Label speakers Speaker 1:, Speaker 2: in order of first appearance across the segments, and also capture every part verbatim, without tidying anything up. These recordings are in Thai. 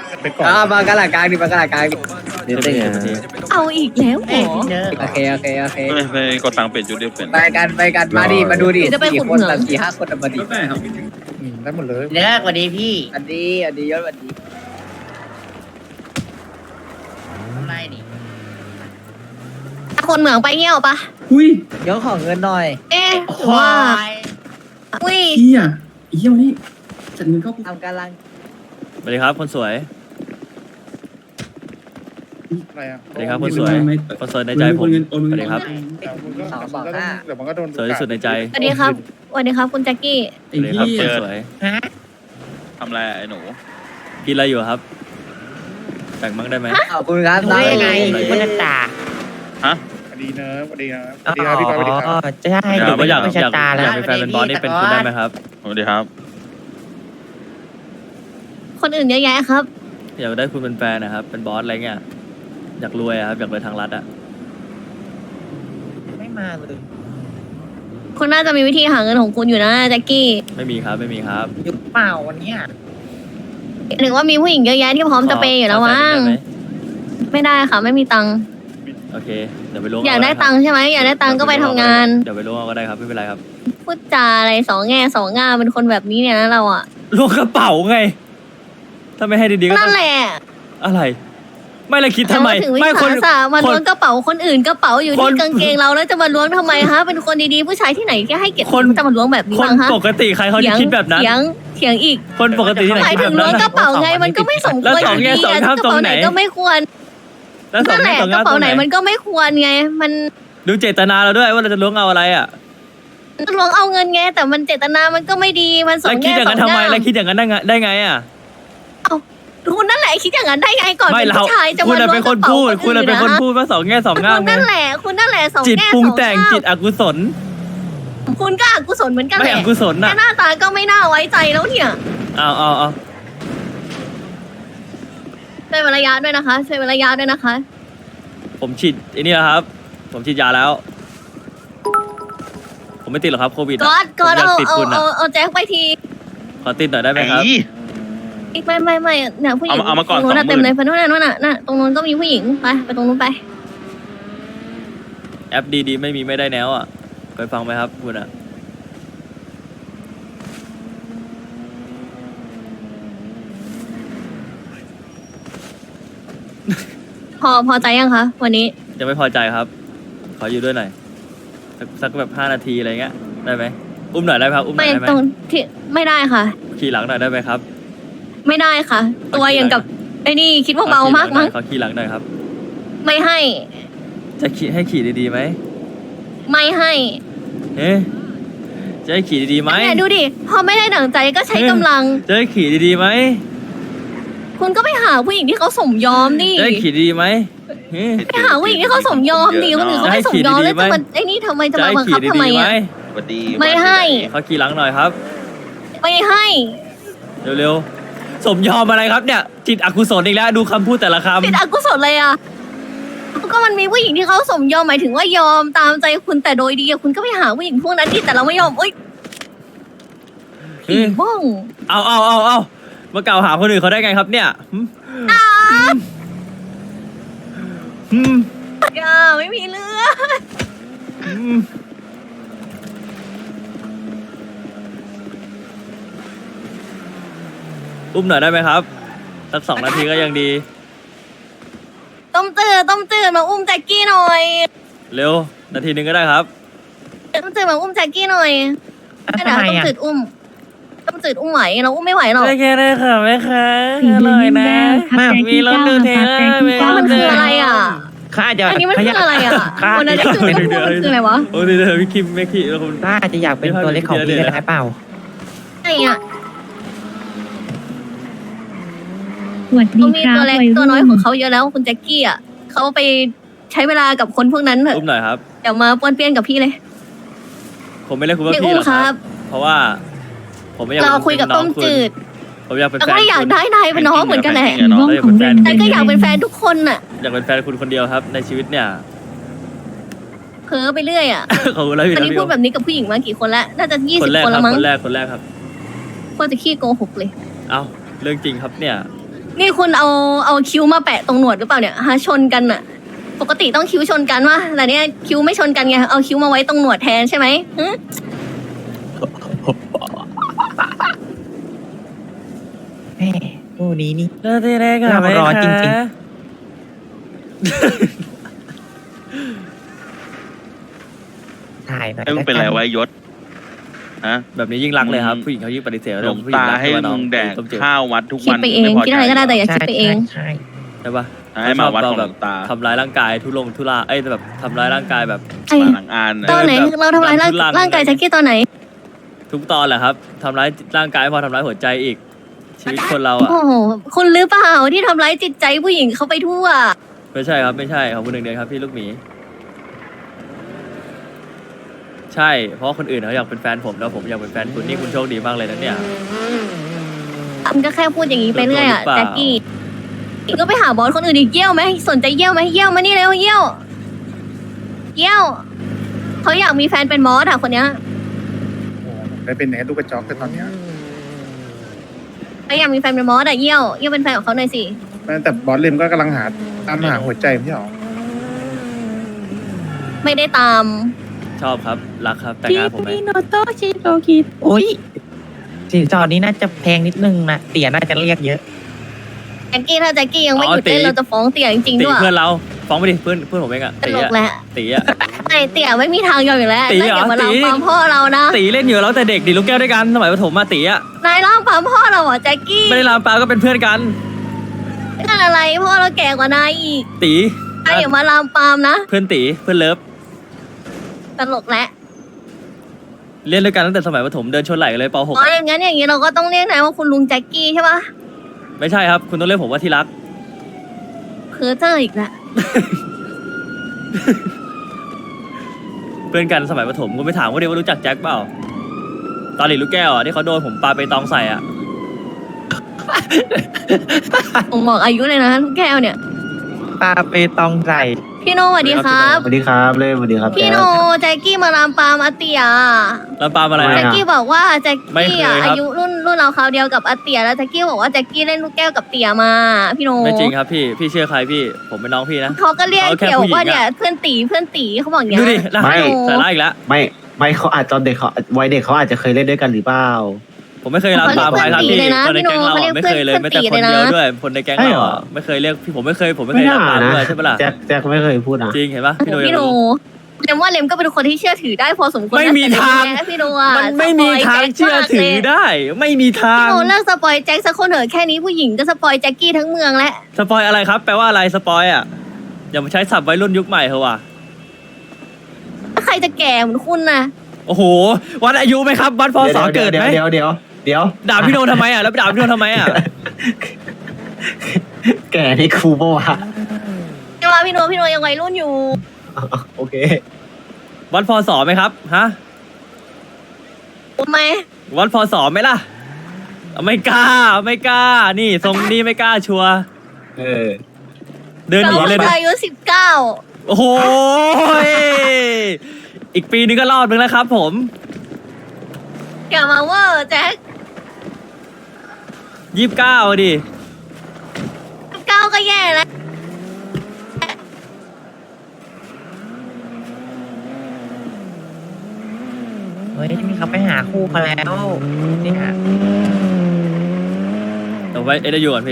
Speaker 1: ไปก่อน
Speaker 2: อ่ามากระหล่ำกลางดิมากระหล่ำกลางดิ
Speaker 3: เดี๋ยวได้ไง
Speaker 4: เอาอีกแล้วเหรอ
Speaker 2: โอเคโอเคโอเค
Speaker 5: ไปไปกดตังค์เปลี่ยนชุดเดียวเปลี่ยน
Speaker 2: ไปกันไปกันมาดิมาดูดิ
Speaker 4: จะไป
Speaker 2: สี่
Speaker 4: ขุด
Speaker 2: คน
Speaker 4: เหมือง
Speaker 2: แบบสี่ห้าคนอะมาดิ
Speaker 1: อืมได้หมดเลย
Speaker 6: เลิกกว่าดีพี่
Speaker 2: อันนี้อันนี้ยศอันนี้
Speaker 6: อะไรนี่
Speaker 4: คนเหมืองไปเงี้ยวปะ
Speaker 7: อุ้ย
Speaker 2: ยศขอเงินหน่อย
Speaker 4: เอ๊ะหรือว่าอุ้ย
Speaker 7: พี่อ่ะไอ้เหี้ยวันนี้จัดเงินเข้า
Speaker 2: ทำกำลัง
Speaker 3: สวัสดีครับคนสวย
Speaker 1: อะไรอ่ะ
Speaker 3: สวัสดีครับคนสวยคนสวยในใจผมสวัสดีครับ
Speaker 2: สองสองห้า
Speaker 1: เดี๋ยวมันก็โดน
Speaker 3: สวยที่สุดในใจ
Speaker 4: สวัสดีครับสวัสดีครับคุณแจ็คกี้
Speaker 3: สวัสดีครับคนสวย
Speaker 6: ฮะ
Speaker 5: ทำอะไรไอ้หนู
Speaker 3: กินอะไรอยู่ครับแบ่งบ้างได้ไหม
Speaker 2: ขอบคุณครับ
Speaker 6: รู้ได้ไง
Speaker 2: น้อง
Speaker 6: คุณตา
Speaker 1: สวัสดีนะสวัสดีนะสวัสดีครับพี่ปาสวัสดีครับ
Speaker 6: จะให้
Speaker 3: อยากว่าอยาก
Speaker 6: เป็น
Speaker 3: อยาก
Speaker 6: ชะตา
Speaker 3: อ
Speaker 6: แล้ว
Speaker 3: ยากเป็นแฟนเป็นบอสนี่เป็นคุณได้ไหมครับ
Speaker 5: สวัสดีครับ
Speaker 4: คนอื่นเยอะแยะครับ
Speaker 3: อยากได้คุณเป็นแฟนนะครับเป็นบอสอะไรเงี้ยอยากรวยอะครับอยากรวยทางรัฐอะ
Speaker 6: ไม่มาเลย
Speaker 4: คุณน่าจะมีวิธีหาเงินของคุณอยู่นะแจ็คกี้
Speaker 3: ไม่มีครับไม่มีครับ
Speaker 6: อยู่เปล่าวันเนี้ย
Speaker 4: หรือว่ามีผู้หญิงเยอะแยะที่พร้อมจะเปย์อยู่แล้วมั้ง
Speaker 3: ขอแฟนได้ไหม
Speaker 4: ไม่ได้ค่ะ ไม่มีตังค์
Speaker 3: โอเคเดี๋ยวไปล้วง
Speaker 4: อยากได้ตังค์ใช่ไหมอยากได้ตังค์ก็ไปทำงาน
Speaker 3: เดี๋ยวไปล้วงเอาก็ได้ครับไม่เป็นไรครับ
Speaker 4: พูดจาอะไรสองแง่สองงามเป็นคนแบบนี้เนี่ยนะเราอ่ะ
Speaker 3: ล้วงกระเป๋าไงถ้าไม่ให้ดีๆก็
Speaker 4: นั่
Speaker 3: ต้
Speaker 4: น
Speaker 3: อง
Speaker 4: แหละ
Speaker 3: อะไร ไม่เลยคิดทำไม
Speaker 4: แต่ว่าถึงวิ
Speaker 3: ไม่ค
Speaker 4: สาน สะมา
Speaker 3: ค
Speaker 4: ล้วง
Speaker 3: น
Speaker 4: กระเป๋าคนอื่นกระเป๋าอยู่
Speaker 3: ค
Speaker 4: ที่
Speaker 3: น
Speaker 4: กางเกงเราแล้วจะมาล้วงทำไมฮะเป็นคนดีๆผู้ชายที่ไหนแค่ให้เกียรติ
Speaker 3: คน
Speaker 4: จะมาล้วงแบบนี้
Speaker 3: คน
Speaker 4: บ้างฮะ
Speaker 3: ปกติใครเขาจะคิดแบบนั้น
Speaker 4: เถียงเถียงอีก
Speaker 3: คนปกติที่ไหน
Speaker 4: หมาย
Speaker 3: คิด
Speaker 4: ถึ
Speaker 3: แบ
Speaker 4: ง
Speaker 3: บ
Speaker 4: ล้ว
Speaker 3: นั้
Speaker 4: ง
Speaker 3: น
Speaker 4: กระเป๋าไงมันก็ไม่สมควร
Speaker 3: แล้วส
Speaker 4: อ
Speaker 3: อง
Speaker 4: ยู่
Speaker 3: แง่
Speaker 4: ดี
Speaker 3: สอง
Speaker 4: อะ
Speaker 3: งาม
Speaker 4: กระเป๋า
Speaker 3: ตรง
Speaker 4: ไห
Speaker 3: ไห
Speaker 4: น
Speaker 3: น
Speaker 4: ก็ไม่ควร
Speaker 3: แล้วสอง
Speaker 4: นั่นแห
Speaker 3: แง่
Speaker 4: ละ
Speaker 3: สอง
Speaker 4: ก
Speaker 3: งา
Speaker 4: ระ
Speaker 3: มตร
Speaker 4: เป๋าง ไห
Speaker 3: ไห
Speaker 4: น
Speaker 3: น
Speaker 4: มันก็ไม่ควรไง มัน
Speaker 3: ดูเจตนาเราด้วยว่าเราจะล้วงเอาอะไรอ่ะ
Speaker 4: ล้วงเอาเงินไงแต่มันเจตนามันก็ไม่ดีมันสอ
Speaker 3: แล้ว
Speaker 4: ง
Speaker 3: คิด
Speaker 4: แง่
Speaker 3: อย่าง
Speaker 4: สอ
Speaker 3: นั้
Speaker 4: ง
Speaker 3: นทำไม
Speaker 4: งาม
Speaker 3: แล้วคิดอย่างนั้นได้ไงได้ไงอ่ะ
Speaker 4: คุณนั่นแหละคิดอย่างนั้นได้ไงก่อน
Speaker 3: ไม่
Speaker 4: เป็น
Speaker 3: เรา
Speaker 4: ผู้ชายจะ
Speaker 3: คุณ
Speaker 4: มา
Speaker 3: น่ะ
Speaker 4: ล้ว
Speaker 3: เป็
Speaker 4: ง
Speaker 3: น
Speaker 4: ก
Speaker 3: ค
Speaker 4: ระ
Speaker 3: น
Speaker 4: เป๋า
Speaker 3: พูด
Speaker 4: ค
Speaker 3: คุณ
Speaker 4: น
Speaker 3: น่ะ
Speaker 4: อื่น
Speaker 3: เป็นคน
Speaker 4: นะ
Speaker 3: พูดว่าสองแง่สองงาม
Speaker 4: คุณ
Speaker 3: ไง
Speaker 4: นั่นแหละคุณนั่นแหละสอง
Speaker 3: จิต
Speaker 4: แง่
Speaker 3: ปรุง
Speaker 4: สอง
Speaker 3: แต่ง
Speaker 4: งาม
Speaker 3: จิตอกุศล
Speaker 4: คุณก็อกุศลเหมือนกัน
Speaker 3: ไม่
Speaker 4: แหละ
Speaker 3: อกุศล
Speaker 4: แค่
Speaker 3: น่ะ
Speaker 4: หน้าตาก็ไม่น่าไว้ใจแล้วเนี่ย
Speaker 3: เอาเอาเอา
Speaker 4: ช่วยเวลายาด้วยนะคะช่วยเวลายาด้วยนะคะ
Speaker 3: ผมฉีดไอ้นี่แล้วครับ ผมฉีดยาแล้ว ผมไม่ติดหรอกครับโควิดอะ
Speaker 4: ก๊อตก๊อต
Speaker 3: ผมยา
Speaker 4: เอา
Speaker 3: ติด
Speaker 4: เอา
Speaker 3: คุณอะ
Speaker 4: เอาเอาแจ็คไปที
Speaker 3: ขอติดหน่อยได้ไหมครับ
Speaker 4: อีกไม่ไม่ไม่เนี่ยผู้หญิง
Speaker 5: เอามาเอามาก่อน
Speaker 4: ตรงนู้นน่ะ
Speaker 5: สองหมื่น
Speaker 4: เต็มเลยไปโน่นน่ะโน่นน่ะน่ะตรงนู้นก็มีผู้หญิงไปไปตรงนู้นไป
Speaker 3: แอปดีๆไม่มีไม่ได้แนวอ่ะเคยฟังไหมครับคุณอ่ะ
Speaker 4: พอพอใจยังคะวันนี้
Speaker 3: ยังไม่พอใจครับ ขออยู่ด้วยหน่อยสักสักแบบห้านาทีอะไรเงี้ยได้ไหมอุ้มหน่อยได้ไหมครับอุ้มหน่
Speaker 4: ไม่
Speaker 3: อยได้ไหม
Speaker 4: ตรงที่ไม่ได้ค่ะ
Speaker 3: ขี่หลังหน่อยได้ไหมครับ
Speaker 4: ไม่ได้ค่ะ ตัวอย่างกับไอ้นี่คิดว่าเบามากมั้ง
Speaker 3: ขอขี่หลังหน่อยครับ
Speaker 4: ไม่ให้
Speaker 3: จะขี่ให้ขี่ดีๆไหม
Speaker 4: ไม่ให้
Speaker 3: เอ๊ะจะให้ขี่ดีๆไหม
Speaker 4: เนี่ยดูดิพอไม่ได้ดั่งใจก็ใช้กำลัง
Speaker 3: จะให้ขี่ดีๆไหม
Speaker 4: คุณก็ไปหาผู้หญิงที่เขาสมยอมดิ
Speaker 3: จะให้ขี่ดีๆไหมเอ๊ะ
Speaker 4: ไปหาผู้หญิงที่เขาสมยอมดิคนอื่นเขาไม่สมยอมแล้วจะมาไอ้นี่ทำไมจะ
Speaker 3: จะ
Speaker 4: มา
Speaker 3: ให้
Speaker 4: บังคั
Speaker 3: ขี่
Speaker 4: บทำไม
Speaker 3: ดีๆไหม
Speaker 4: อ่ะ
Speaker 5: สวัสดี
Speaker 4: ไม่ให้
Speaker 3: ขอขี่หลังหน่อยครับ
Speaker 4: ไม่ให้
Speaker 3: เร็วๆสมยอมอะไรครับเนี่ย จิตอกุศลอีกแล้วดูคำพูดแต่ละคำ
Speaker 4: ติดอกุศลเลยอ่ะก็มันมีผู้หญิงที่เขาสมยอมหมายถึงว่ายอมตามใจคุณแต่โดยดีอะคุณก็ไปหาผู้หญิงพวกนั้นที่แต่เราไม่ยอมโอ๊ยผีบ้อง
Speaker 3: เอาเอาเอาเอามากล่าวหาคนอื่นเขาได้ไงครับเนี่ยหืมหืม
Speaker 4: อย่าไม่มีเลือด
Speaker 3: หืมอุ้มหน่อยได้ไหมครับสักสองนาทีก็ยังดี
Speaker 4: ต้มจืดต้มจืดมาอุ้มแจ็คกี้หน่อย
Speaker 3: เร็ว นาทีหนึ่งก็ได้ครับ
Speaker 4: ต้มจืดมาอุ้มแจ็คกี้หน่อยไม่ได้
Speaker 6: ทำไม
Speaker 4: ต้ม
Speaker 6: อ่ะ
Speaker 4: จืดอุ้มต้มจืดอุ้มไหวเราอุ้มไม่ไหวหรอก
Speaker 3: ได้แค่ได้ค่ะแม่ค้าอร่อยนะ มีรสดูเทลเลอร์มีร
Speaker 4: มัน
Speaker 3: ส
Speaker 4: คืออะไรอ่ะ
Speaker 6: ข้าอาจจะ
Speaker 4: อันนี้มันคืออะไรอ่ะ
Speaker 6: ข้า
Speaker 4: วันนั้น
Speaker 6: อาจ
Speaker 4: จืด
Speaker 6: จะ
Speaker 4: ก็พูดมันคืออะไรวะ
Speaker 3: โอ้ยเดี๋ยวพี่คิมแม่ขี้แล้วคุณ
Speaker 6: ข้าอาจจะอยากเป็นตัวเล็กของพี่ก็ได้เปล่า
Speaker 4: ไอ้อ่ะ
Speaker 8: สวัสดี
Speaker 4: เขามี
Speaker 8: ครับ
Speaker 4: ตัวเล็ก
Speaker 8: วัย
Speaker 4: ตัวน้อย
Speaker 8: รุ่น
Speaker 4: ของเขาเยอะแล้วคุณแจ็คกี้อ่ะเขาไปใช้เวลากับคนพวกนั้นเถอะ
Speaker 3: อุ้มหน่อยครับ
Speaker 4: เดี๋ยวมาป้วนเปี้ยนกับพี่เลย
Speaker 3: ผมไม่เรียกคุณว่า
Speaker 4: ไม่
Speaker 3: พี่
Speaker 4: อุ้
Speaker 3: ห
Speaker 4: ม
Speaker 3: รอก
Speaker 4: ค
Speaker 3: ค
Speaker 4: รั
Speaker 3: รับ บ เพราะว่า ผมไม่อยาก
Speaker 4: เรา
Speaker 3: ป็น
Speaker 4: คุยกับ
Speaker 3: น้
Speaker 4: ต้
Speaker 3: อง
Speaker 4: ม
Speaker 3: คุณ
Speaker 4: จืด
Speaker 3: ผมอยากเป็น
Speaker 4: แล้ว
Speaker 3: แฟ
Speaker 4: ก็
Speaker 3: น
Speaker 4: อยาก
Speaker 3: คุณ
Speaker 4: ได้นายเป็นน้องเหมือนกันแหละ
Speaker 8: สีม่วงของเรน
Speaker 4: แต่ก็อยากเป็นแฟนทุกคนน่ะ
Speaker 3: อยากเป็นแฟนคุณคนเดียวครับ ในชีวิตเนี่ย
Speaker 4: เพ้อไปเรื่อยอ่ะ
Speaker 3: ขอบคุณแล้วพี่
Speaker 4: อัน
Speaker 3: นะ
Speaker 4: นี้
Speaker 3: พี่
Speaker 4: พูดแบบนี้กับผู้หญิงมากี่คนแล้วน่าจะยี่
Speaker 3: ค
Speaker 4: สิ
Speaker 3: น
Speaker 4: บ
Speaker 3: แรก
Speaker 4: คน
Speaker 3: ครั
Speaker 4: แล้
Speaker 3: บ
Speaker 4: วมั้ง
Speaker 3: คนแรกคนแรกครับ
Speaker 4: โคตรจะขี้โกหกเลย
Speaker 3: เอ้าเรื่องจริงครับเนี่ย
Speaker 4: นี่คุณเอาเอาคิ้วมาแปะตรงหนวดหรือเปล่าเนี่ยฮะชนกันอะปกติต้องคิ้วชนกันวะแต่เนี่ยคิ้วไม่ชนกันไงเอาคิ้วมาไว้ตรงหนวดแทนใช่ไหมหึ
Speaker 6: แม่คู่นี้นี่
Speaker 3: เลิกที่แรกอะ
Speaker 6: เรารอจริง ถ่ายหน่อย
Speaker 5: ไอ้มึงเป็นไรไว้ยศฮะ
Speaker 3: แบบนี้ยิ่งรักเลยครับผู้หญิงเขายิ่งปฏิเสธ
Speaker 5: หลวง
Speaker 3: ผู้หญิ
Speaker 5: ตา
Speaker 3: รัก
Speaker 5: ให้
Speaker 3: ว่าน้อ
Speaker 5: มึงแดก
Speaker 3: ต้มจืด
Speaker 5: ข้าววัดทุก
Speaker 4: คิด
Speaker 5: วัน
Speaker 4: ไปเอง
Speaker 5: ม่พ
Speaker 4: คิดอะไรก็ได้แต่อย่า
Speaker 6: ใช่
Speaker 4: คิดไปเอง
Speaker 6: ใช่
Speaker 3: ใช่ปะ
Speaker 5: ให้มาวัดของห
Speaker 3: แบ
Speaker 5: ล
Speaker 3: บ
Speaker 5: วงตา
Speaker 3: ทำร้ายร่างกายทุลงทุลาเอ้ยแบบทำร้ายร่างกายแบบ
Speaker 4: ไอ้
Speaker 5: มาหลังอาน
Speaker 4: ตอนไหน
Speaker 3: แบบ
Speaker 4: เราทำร้ายร่าง
Speaker 3: ทุลัง
Speaker 4: ร่างกายแจ็คกี้ตอนไหน
Speaker 3: ทุกตอนแหละครับทำร้ายร่างกายพอทำร้ายหัวใจอีก ชีวิตคนเราอ่ะ
Speaker 4: โอ้โหคุณหรือเปล่าที่ทำร้ายจิตใจผู้หญิงเขาไปทั่ว
Speaker 3: ไม่ใช่ครับไม่ใช่ขอบคุณหนึ่งเดือนครับพี่ลูกหมีใช่เพราะคนอื่นเขาอยากเป็นแฟนผมแล้วผมอยากเป็นแฟนคุณนี่คุณโชคดีมากเลยนะเนี่ย
Speaker 4: มันก็แค่พูดอย่างนี้ไปเรื่อยอะ
Speaker 3: โดนโดนหรือเปล่า
Speaker 4: แจ็คกี้ก็ไปหาบอสคนอื่นอีกเยี่ยวไหมสนใจเยี่ยวไหมเยี่ยวมานี่เร็วเยี่ยวเยี่ยวเขาอยากมีแฟนเป็นบอสอะคนเนี้ย
Speaker 1: โอ้โหผมได้เป็นแหนลูกกระจอกแต่ตอนเนี้ย
Speaker 4: เขาอยากมีแฟนเป็นบอสอะเยี่ยวเยี่ยวเป็นแฟนของเขาหน่อยสิ
Speaker 1: แต่บอสเลมก็กำลังหาตามหาหัวใจไม่ใช่หรอ
Speaker 4: ไม่ได้ตาม
Speaker 3: ชอบครับรักครับแต่งงานผมไหม
Speaker 6: โนโตชิโตกิโอ้ยสินสอดนี้น่าจะแพงนิดนึงนะเตี๋ยน่าจะเรียกเยอะ
Speaker 4: แจ็คกี้ถ้าแจ็คกี้ยังไม่หยุดเล่นเราจะฟ้องเตี่ยจริงๆ
Speaker 3: ตี
Speaker 4: ด้วย
Speaker 3: เพื่อนเราฟ้องไปดิเพื่อนเพื่อนผมเองอะ
Speaker 4: ต
Speaker 3: ตี
Speaker 4: ลก
Speaker 3: อะ
Speaker 4: แหละ
Speaker 3: ตีอะ
Speaker 4: ไอเตี่ยไม่มีทางยอมอยู่แล้ว
Speaker 3: ตี
Speaker 4: นาย
Speaker 3: เหรอ
Speaker 4: อย่ามาลาม
Speaker 3: ตี
Speaker 4: ปามพ่อเรานะ
Speaker 3: ตีเล่นอยู่แล้วแต่เด็กดิลูกแก้วด้วยกันสมัยประถมมาตีอะ
Speaker 4: นายล่ามปามพ่อเราเหรอแจ็คกี้
Speaker 3: ไม่ได้ลามปาก็เป็นเพื่อนกัน
Speaker 4: นั่นอะไรพ่อเราแก่กว่านายอีก
Speaker 3: ตี
Speaker 4: นายอย่ามาลามปามนะ
Speaker 3: เพื่อนตีเพื่อนเลิฟ
Speaker 4: ตลกแหละ
Speaker 3: เล่นด้วยกันตั้งแต่สมัยประถมเดินชนไหล่กันเลยป .หก
Speaker 4: อ๋ออย่างงั้นอย่างงี้เราก็ต้องเรียกนายว่าคุณลุงแจ็คกี้ใช่ปะ
Speaker 3: ไม่ใช่ครับ คุณต้องเรียกผมว่าที่รัก
Speaker 4: เพ้อเจ้ออีกแล้ว
Speaker 3: เพื่อนกันสมัยประถมคุณไปถามว่าเดียวว่ารู้จักแจ็คเปล่าตอนหลีลูกแก้วอ่ะที่เขาโดนผมปาไปตองใส่อ่ะ
Speaker 4: ผมบอกอายุเลยนะลูกแก้วเนี่ย
Speaker 6: ปลาเปตองใส่
Speaker 4: พี่โนสวัสดีครับ
Speaker 9: สวัสดีครับเล่สวัสดีครับ
Speaker 4: พี่โนแจ็คกี้มาลามปามอาเตีย
Speaker 3: ลามปามอะไร
Speaker 4: แจ็ค
Speaker 3: อ่ะ
Speaker 4: กี้บอกว่าแจ็ค
Speaker 3: ไม่
Speaker 4: กี้
Speaker 3: เคย
Speaker 4: อ่ะ
Speaker 3: ครับ
Speaker 4: อายุรุ่นรุ่นเราคราวเดียวกับอาเตียแล้วแจ็คกี้บอกว่าแจ็คกี้เล่นลูกแก้วกับเตียมา พี่โน
Speaker 3: ไม่จริงครับพี่พี่เชื่อใครพี่ผมเป็นน้องพี่นะ
Speaker 4: เขาก็เรียก
Speaker 3: เขาแค่
Speaker 4: เกี่ยว
Speaker 3: ผู้หญิง
Speaker 4: ว่าเนี่ย
Speaker 3: อะ
Speaker 4: เพื่อนตีเพื่อนตีเขาบอกอย่างเงี้ย
Speaker 3: ดูดินะ
Speaker 9: ไม่
Speaker 3: ใส่ร้ายอีกแล้ว
Speaker 9: ไม่ไม่เขาอาจตอนเด็กเขาวัยเด็กเขาอาจจะเคยเล่นด้วยกันหรือเปล่า
Speaker 3: ผมไม่เคยลามปามใครครับพี่คนในแก๊งเราอะไม่เคยเลยไม่แต่คนเดียวด้วยคนในแก๊งเราอะไม่เคยเรียกพี่ผมไม่เคยผมไม่เค
Speaker 9: ไม่
Speaker 3: ยลาม
Speaker 9: น่า
Speaker 3: ปาม
Speaker 9: นะ
Speaker 3: ด้วยใช่ปะล่ะ
Speaker 9: แจ็คแจ็คไม่เคยพูดนะ
Speaker 3: จริงเห็นปะพี่โด
Speaker 4: พี่โนเลมว่าเลมก็เป็นคนที่เชื่อถือได้พอสมควร
Speaker 3: ไม่มีทาง
Speaker 4: นะพี่โนอ่ะ
Speaker 3: มันไม่มีทางเชื่อถือได้ ไม่มีทาง
Speaker 4: พี่โนเลิกสปอยแจ็คสักคนเถอะแค่นี้ผู้หญิงก็สปอยแจ็คกี้ทั้งเมืองแล้ว
Speaker 3: สปอยอะไรครับ แปลว่าอะไรสปอยอ่ะอย่ามาใช้ศัพท์วัยรุ่นยุคใหม่เถอะว่ะ
Speaker 4: ถ้าใครจะแก่เหมือนคุณนะ
Speaker 3: โอ้โหวัดอายุไหมครับวัดพศเกิดไหม
Speaker 9: เดี๋ยวเดี๋ยวเดี๋ยว
Speaker 3: ด่าพี่โนทำไมอ่ะแล้วไปด่าพี่โนทำไมอ่ะ
Speaker 9: แก่นี่ครูปะวะ
Speaker 4: ใช่ไหมพี่โนพี่โนยังวัยรุ่นอยู่
Speaker 9: โอเค
Speaker 3: วัดพศไหมครับฮะ
Speaker 4: ทำไม
Speaker 3: วัดพศไหมล่ะไม่กล้าไม่กล้า นี่ทรงนี้ไม่กล้าชัวร์
Speaker 9: เออ
Speaker 3: เดินห
Speaker 4: เรา
Speaker 3: นีเลยนะ
Speaker 4: อายุสิบเก้า
Speaker 3: โอ้โหอีกปีนึงก็รอดมึงแล้วครับ ผม
Speaker 4: อย่ามาเวอร์แจ็ค
Speaker 3: ยี่สิบเก้าดิ
Speaker 4: สิบเก้าก็แย่แล้ว
Speaker 6: เฮ้ยนี่เขาไปหาคู่กันแล้วเนี่ย
Speaker 3: เดี๋ยวไว้เอ็ดยูก่อนพี่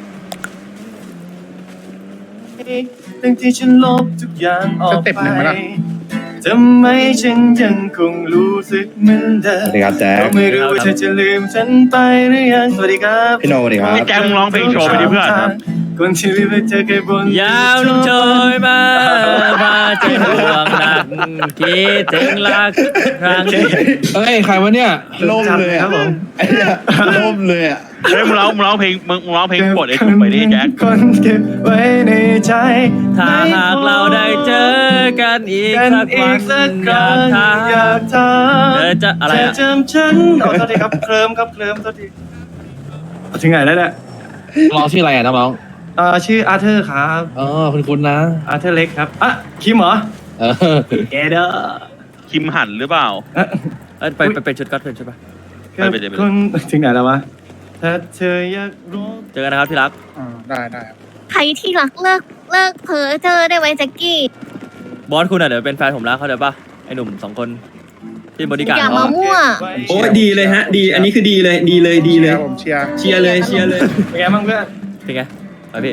Speaker 10: ทั้งที่ฉันลบทุกอย่างออก
Speaker 1: สเต็ปหนึ่งไหมล่ะ
Speaker 10: ทำไมฉันยังคงรู้สึกเหมือนเดิม
Speaker 9: สวัสดีครับแจ็ค
Speaker 10: ก็ไม่รู้ว่าเธอจะลืมฉันไปหรือยังสวัสดีครับ
Speaker 9: พี่โนสวัสดีครับ
Speaker 5: ไอ้แจ็คมึงร้องเพลงโชว์ไปดิเพื่อน
Speaker 10: คนที่ลืมไปเจอแค่บน
Speaker 3: ยาวลุงโชยมา มาเจอห่วงหนักคิดถึงรักครั้งนี้
Speaker 10: เฮ้ยใครวะเนี่ย
Speaker 1: ล่มเลย
Speaker 10: ค
Speaker 1: อ่ะ
Speaker 10: รับผม
Speaker 1: ไอ้เนี่ยล่มเลยอ่ะ
Speaker 5: เฮ้ยมึงร้องมึงร้องเพลงมึงมึงร้องเพลงกดไอ้ถุงไปดิแจ็ค
Speaker 10: คนเก็บไว้ในใจ
Speaker 3: ถ้าหากเราได้เจอกันอีก
Speaker 10: กัน
Speaker 3: สัก
Speaker 10: อี
Speaker 3: วั
Speaker 10: ก
Speaker 3: น
Speaker 10: สัก
Speaker 3: อ
Speaker 10: ครั้
Speaker 3: ยาก
Speaker 10: ง
Speaker 3: ถาม
Speaker 10: อยากถาม
Speaker 3: เธอจะอะไร
Speaker 10: เธอ
Speaker 3: อ่ะ
Speaker 10: จำฉันขอโทษทีครับเคลิมครับเคลิมโทษทีถึงไหนแล้วเนี่ย
Speaker 11: น้องชื่ออะไรอ่ะน้อง
Speaker 10: เอ่อชื่ออาร์เธอร์ครับ
Speaker 11: อ๋อคุณคุณนะ
Speaker 10: อาร์เธอร์เล็กครับอ่ะคิมเหรอ
Speaker 11: เออ
Speaker 10: แกเด้อ
Speaker 5: คิมหันหรือเปล่า
Speaker 10: เอ่อ
Speaker 3: เอ้ยไปไปเป็นชุดก็เป็นชุดปะ
Speaker 5: ไปไปเดี๋ยวไป
Speaker 10: คุณถึงไหนแล้ววะถ้าเธออยากรู้
Speaker 3: เจอกันนะครับที่รัก
Speaker 1: อ่าได้ได้ครับ
Speaker 4: ใครที่รักเลิกเลิกเพ้อเจอได้ไหมแจ็คกี้
Speaker 3: บอสคุณอ่ะเดี๋ยวเป็นแฟนผมแล้วเข้าใจปะไอ้หนุ่มสองคนที่บริการ
Speaker 4: อย่า
Speaker 3: เขา
Speaker 4: มามั่ว
Speaker 7: โอ้ดีเลยฮะ ดี อันนี้คือดีเลย ดีเลย ดีเลย
Speaker 1: ผมเชียร์
Speaker 7: เชียร์เลย เชียร์เลย
Speaker 10: เป็นไงบ้างเพื่อน
Speaker 3: เป็นไงไปพี่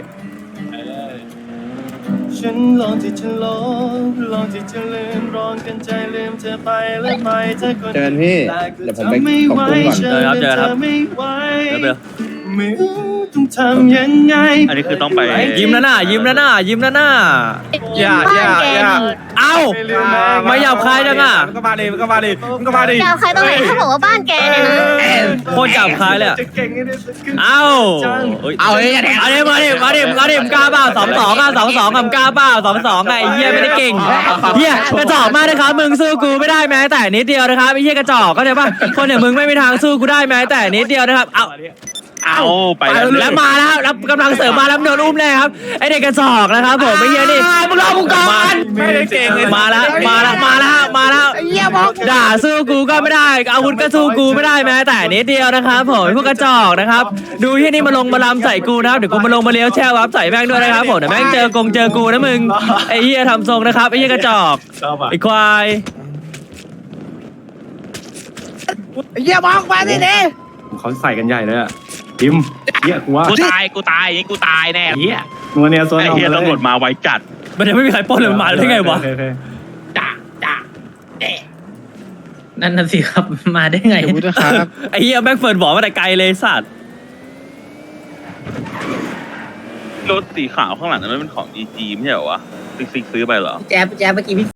Speaker 10: ฉันลองที่จะลองลองที่จะลืมร้องกันใจลืมเธอไปและไปเธอคน
Speaker 1: เจอกันพี่เดี๋ยวผมไปขอบคุณก่อน
Speaker 3: เจอครับเจอครับ
Speaker 10: ไม่ไหว
Speaker 3: เดี๋ยวไปเลย
Speaker 10: ไม่รู้ต้องทำยังไง
Speaker 5: อันนี้คือต้องไป
Speaker 3: ยิ้มแล้วน่ะยิ้มแล้วน่ะยิ้มแล้วน่ะ
Speaker 10: อย่าอย่า
Speaker 4: บ้นแก
Speaker 10: อย่า
Speaker 4: นี่
Speaker 3: เอ้า
Speaker 10: ไม่ลืมนะ
Speaker 3: ไม่หยาบคายจังอะ
Speaker 10: มันก็มาดิมันก็มาดิมันก็มาดิ
Speaker 4: ดาวใครตรงไหนถ้าบอกว่าบ้านแกเนี่ยนะ
Speaker 3: โคตรหยาบคายเลยอะ
Speaker 10: จะเก่งให้ได้สักครึ่ง
Speaker 3: เอ้า
Speaker 6: เอาเอ้ย
Speaker 3: เอาดิมาดิมาดิมาดิมึงกล้าเปล่าสองสองอ่ะสองสองกับกล้าเปล่าสองสองไอ้เหี้ยไม่ได้เก่งเหี้ยกระจอกมากนะครับมึงสู้กูไม่ได้แม้แต่นิดเดียวนะครับไอ้เหี้ยกระจอกก็ใช่ปะคนอย่างมึงไม่มีทางสู้กูได้แม้แต่นิดเดียวนะครับเอา
Speaker 5: เอาไปแล้ว
Speaker 3: แล้วมาแล้วแล้วกำลังเสริมมาแล้วโดนอุ้มเลยครับไอเด็กกระจอกนะครับผมไม่เหี้ยนี่มึงรอกูก่อน
Speaker 10: ไม่ได้เก่งเลย
Speaker 3: มาแล้วมาแล้วมาแล้วมาแล้วด่าสู้กูก็ไม่ได้อาวุธก็สู้กูไม่ได้แม้แต่นิดเดียวนะครับผมพวกกระจอกนะครับดูที่นี่มาลงมาลำใส่กูนะครับเดี๋ยวกูมาลงมาเลี้ยวแช่วับใส่แม่งด้วยนะครับผมเดี๋ยวแม่งเจอกงเจอกูนะมึงไอเหี้ยทำทรงนะครับไอเหี้ยกระจอก
Speaker 10: ชอบอ่ะ
Speaker 3: ไอควาย
Speaker 2: เยี่ยมองมาสิเด้
Speaker 10: เขาใส่กันใหญ่เลยอ่ะพิมเฮียกูว่า
Speaker 5: กูตายกูตายอย่างนี้กูตายแน่
Speaker 10: เฮียนัวเนี่ยโซน
Speaker 5: ไอ้
Speaker 10: ออก
Speaker 5: เฮีย
Speaker 10: มาเลย
Speaker 5: ตำรวจมาไวจัด
Speaker 3: มันยังไม่มีใครปล้นเลยมันมาได้ไงวะ
Speaker 10: โอเคโอเค
Speaker 6: นั่นน่ะสิครับมาได้ไง
Speaker 1: เดี๋ยวพูดนะครับ
Speaker 3: ไอเหี้ยแม่งเฟิร์นบอกมาแต่ไกลเลยสัตว์
Speaker 5: รถสีขาวข้างหลังนั้นมันเป็นของ อี จี ไม่ใช่เหรอวะซิกซิกซื้อไปเหรอ
Speaker 2: แจ๊บแจ๊บเมื่อกี้พี่